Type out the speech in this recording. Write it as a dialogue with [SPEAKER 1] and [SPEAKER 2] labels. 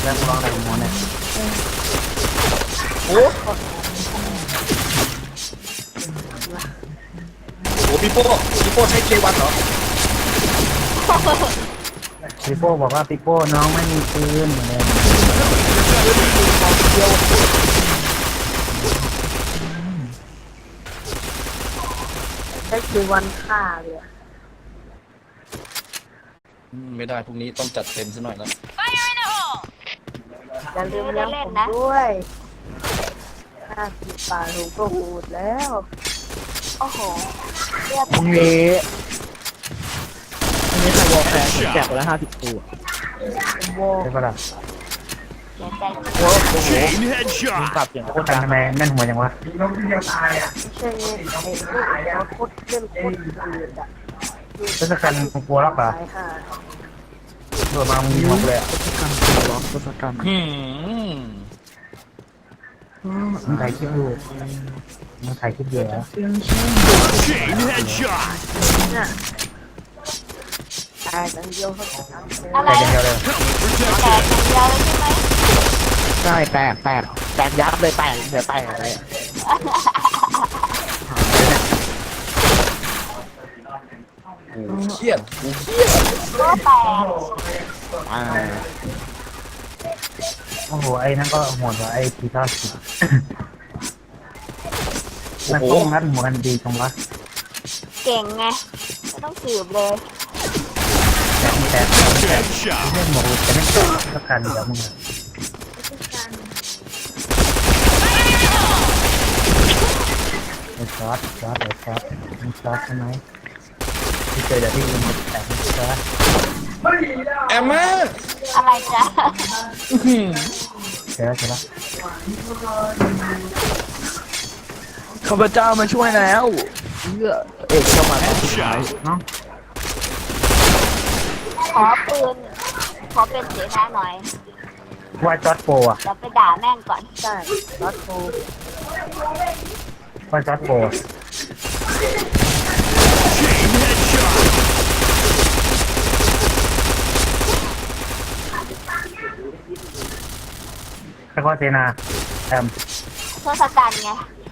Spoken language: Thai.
[SPEAKER 1] แล้วกูลองอะไรของมันเนี่ย
[SPEAKER 2] โอ้โหพี่โป้ใช้เควันเหรอ
[SPEAKER 1] ปิโป้บอกว่าปิโป้น้องไม่มีปืนเลย
[SPEAKER 3] ใช้คือวันฆ่าเลย
[SPEAKER 2] ไม่ได้พรุ่งนี้ต้องจัดเต็มซะหน่อยแล้ว
[SPEAKER 3] อย่าลืมเลี้ยงผมด้วย50 บาทผมก็หูดแล้ว
[SPEAKER 4] โอ้โหเลือด
[SPEAKER 5] พรุ่งนี้ใครวอลแฟร์แจกไปแล้ว50 ตัว
[SPEAKER 3] โว
[SPEAKER 1] ใช่ปะล่ะ
[SPEAKER 4] เสียใจ
[SPEAKER 5] โอ้โห
[SPEAKER 6] Chain
[SPEAKER 5] มึง
[SPEAKER 6] headshot.
[SPEAKER 5] ปรับเสียงโคตร
[SPEAKER 1] กั
[SPEAKER 5] ดั
[SPEAKER 1] น
[SPEAKER 5] ง
[SPEAKER 1] ทำไมแม่นหัวยังวะ
[SPEAKER 3] ไม่ใช่ไอ้เขาโคตรเล่นโคตรอืดอ่ะ
[SPEAKER 1] ทศกัณฐ์มึงกลัวหรอกเหรอ
[SPEAKER 3] ตายค่ะ
[SPEAKER 1] โดดมามึงยิงหมดเลยอ่ะ
[SPEAKER 5] ทศกัณฐ์
[SPEAKER 1] มึงถ่ายคลิปอยู่มึงถ่ายคลิปเยอะ
[SPEAKER 6] Chain headshot.
[SPEAKER 3] เนี่ยตายกันเดียวเขาจะทำเลย
[SPEAKER 4] อะไร
[SPEAKER 1] แต่อย่างเดียวเลย
[SPEAKER 6] Helmet
[SPEAKER 4] แตก
[SPEAKER 6] protected.
[SPEAKER 4] อย่างเดียวเลยใช่ไหม
[SPEAKER 5] ใช่แตกยับเลยแตกเดี๋ยวแตกเลย
[SPEAKER 2] เครียด
[SPEAKER 4] ก็แตก
[SPEAKER 5] อ่า
[SPEAKER 1] โอ้โหไอ้นั่นก็โหดว่ะไอ้ทีท่าสิมันโป้งัดหัวกันดีตรงวะ
[SPEAKER 4] เก่งไงไม่ต้องสืบเลย
[SPEAKER 1] แต่
[SPEAKER 6] Headshot.
[SPEAKER 1] เรื่องหมดแต่ไม่ทศกัณฐ์เดี๋ยวมึงอะไอ้ซอสไอ้ซอสมึงซอสใช่ไหมที่เจอเดี๋ยวที่มึงแต่มึงซอส
[SPEAKER 2] แอมมา
[SPEAKER 4] อะไรจ๊ะ
[SPEAKER 1] เจอแล้ว
[SPEAKER 5] ข้าพเจ้ามาช่วยแล้วเอกเข้ามาตอนสุดท้าย
[SPEAKER 1] เนาะ
[SPEAKER 4] ขอปืนขอเป็นเสนาหน่อย
[SPEAKER 1] ว่าจอร์ดโปรอ่ะ
[SPEAKER 4] เดี๋ยวไปด่าแม่งก่อน
[SPEAKER 3] ใช่รถโทร
[SPEAKER 1] ว่าจอร์ดโปร
[SPEAKER 6] Chain headshot.
[SPEAKER 1] แล้วก็เซนาแอม
[SPEAKER 4] ทศกัณฐ์ไง